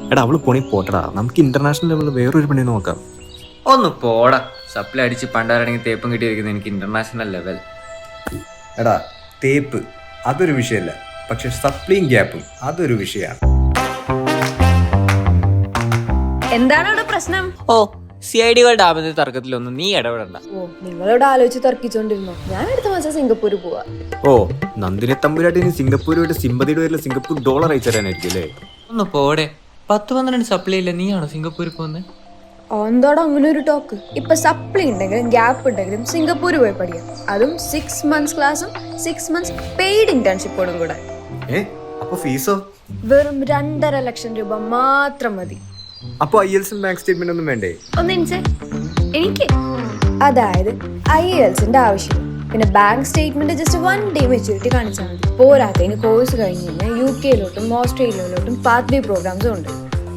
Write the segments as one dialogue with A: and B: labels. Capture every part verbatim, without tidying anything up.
A: എടാ അവള് പോണി പോട്ടടാ, നമുക്ക് ഇന്റർനാഷണൽ ലെവലിൽ വേറൊരു പണി നോക്കാം.
B: ഒന്ന് പോടാ, സപ്ലൈ അടിച്ച് പണ്ടാരണെങ്കിൽ തേപ്പും കിട്ടിയിരിക്കുന്നത് എനിക്ക് ഇന്റർനാഷണൽ ലെവൽ.
C: എടാ തേപ്പ് അതൊരു വിഷയമല്ല, പക്ഷെ സപ്ലിയും ഗ്യാപ്പും അതൊരു വിഷയമാണ്.
D: എന്താണ് അവിടെ പ്രശ്നം?
B: ഓ സി ഐ ഡികളുടെ ആപത്ത് തർക്കത്തിലൊന്നും നീ ഇടപെടണ്ട.
D: ഓ നിങ്ങളോട് ആലോചിച്ച് തർക്കിച്ചോണ്ടിരുന്നോ? ഞാൻ അടുത്ത മാസം സിംഗപ്പൂര് പോവാ.
A: ഓ നന്ദിനെ തമ്പുരാട്ടിന് സിംഗപ്പൂരുമായിട്ട് സിമ്പതിയുടെ പേരിൽ സിംഗപ്പൂർ ഡോളർ അയച്ചു തരാനായിരിക്കും അല്ലേ?
B: ഒന്ന് പോടെ, പത്ത് പന്ത്രണ്ട് സപ്ലൈ ഇല്ല, നീയാണോ സിംഗപ്പൂരിൽ പോകുന്നത്?
D: എന്താടോ അങ്ങനെ ഒരു ടോക്ക്? ഇപ്പൊ സപ്ലി ഉണ്ടെങ്കിലും ഗ്യാപ്പ് ഉണ്ടെങ്കിലും സിംഗപ്പൂര് പോയി പഠിക്കാം, അതും സിക്സ് മന്ത്സ് ക്ലാസ്സും സിക്സ് മന്ത്സ് പെയ്ഡ് ഇന്റേൺഷിപ്പോടും കൂടെ.
C: ഏ അപ്പൊ ഫീസോ?
D: വെറും രണ്ടര ലക്ഷം രൂപ മാത്രം മതി.
C: അപ്പൊ ഐ എൽസും ബാങ്ക് സ്റ്റേറ്റ്മെന്റ് ഒന്നും വേണ്ടേ?
D: ഒന്നിൻസെ എനിക്ക് അതായത് ഐ എൽസിന്റെ ആവശ്യം, പിന്നെ bank statement just one day maturity കാണിച്ചാൽ മതി. പോരാത്തതിന് കോഴ്സ് കഴിഞ്ഞ് കഴിഞ്ഞാൽ യു കെയിലോട്ടും ഓസ്ട്രേലിയയിലോട്ടും പാത്ത് വേ പ്രോഗ്രാംസും ഉണ്ട്.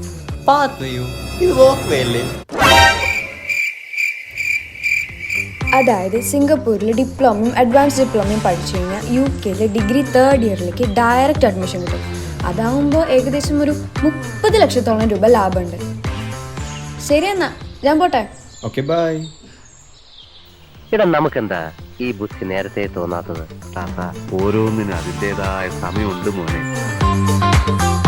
D: അതായത് സിംഗപ്പൂരിൽ ഡിപ്ലോമയും അഡ്വാൻസ് ഡിപ്ലോമയും പഠിച്ചു കഴിഞ്ഞാൽ യു കെയിലെ ഡിഗ്രി തേർഡ് ഇയറിലേക്ക് ഡയറക്റ്റ് അഡ്മിഷൻ കിട്ടും. അതാവുമ്പോൾ ഏകദേശം ഒരു മുപ്പത് ലക്ഷത്തോളം രൂപ ലാഭമുണ്ട്. ശരി എന്നാ ഞാൻ പോട്ടെ.
C: Okay bye.
E: ഇടാ നമുക്കെന്താ ഈ ബുദ്ധി നേരത്തെ തോന്നാത്തത്?
F: ഓരോന്നിനും അതിൻ്റെതായ സമയമുണ്ട് മോനെ.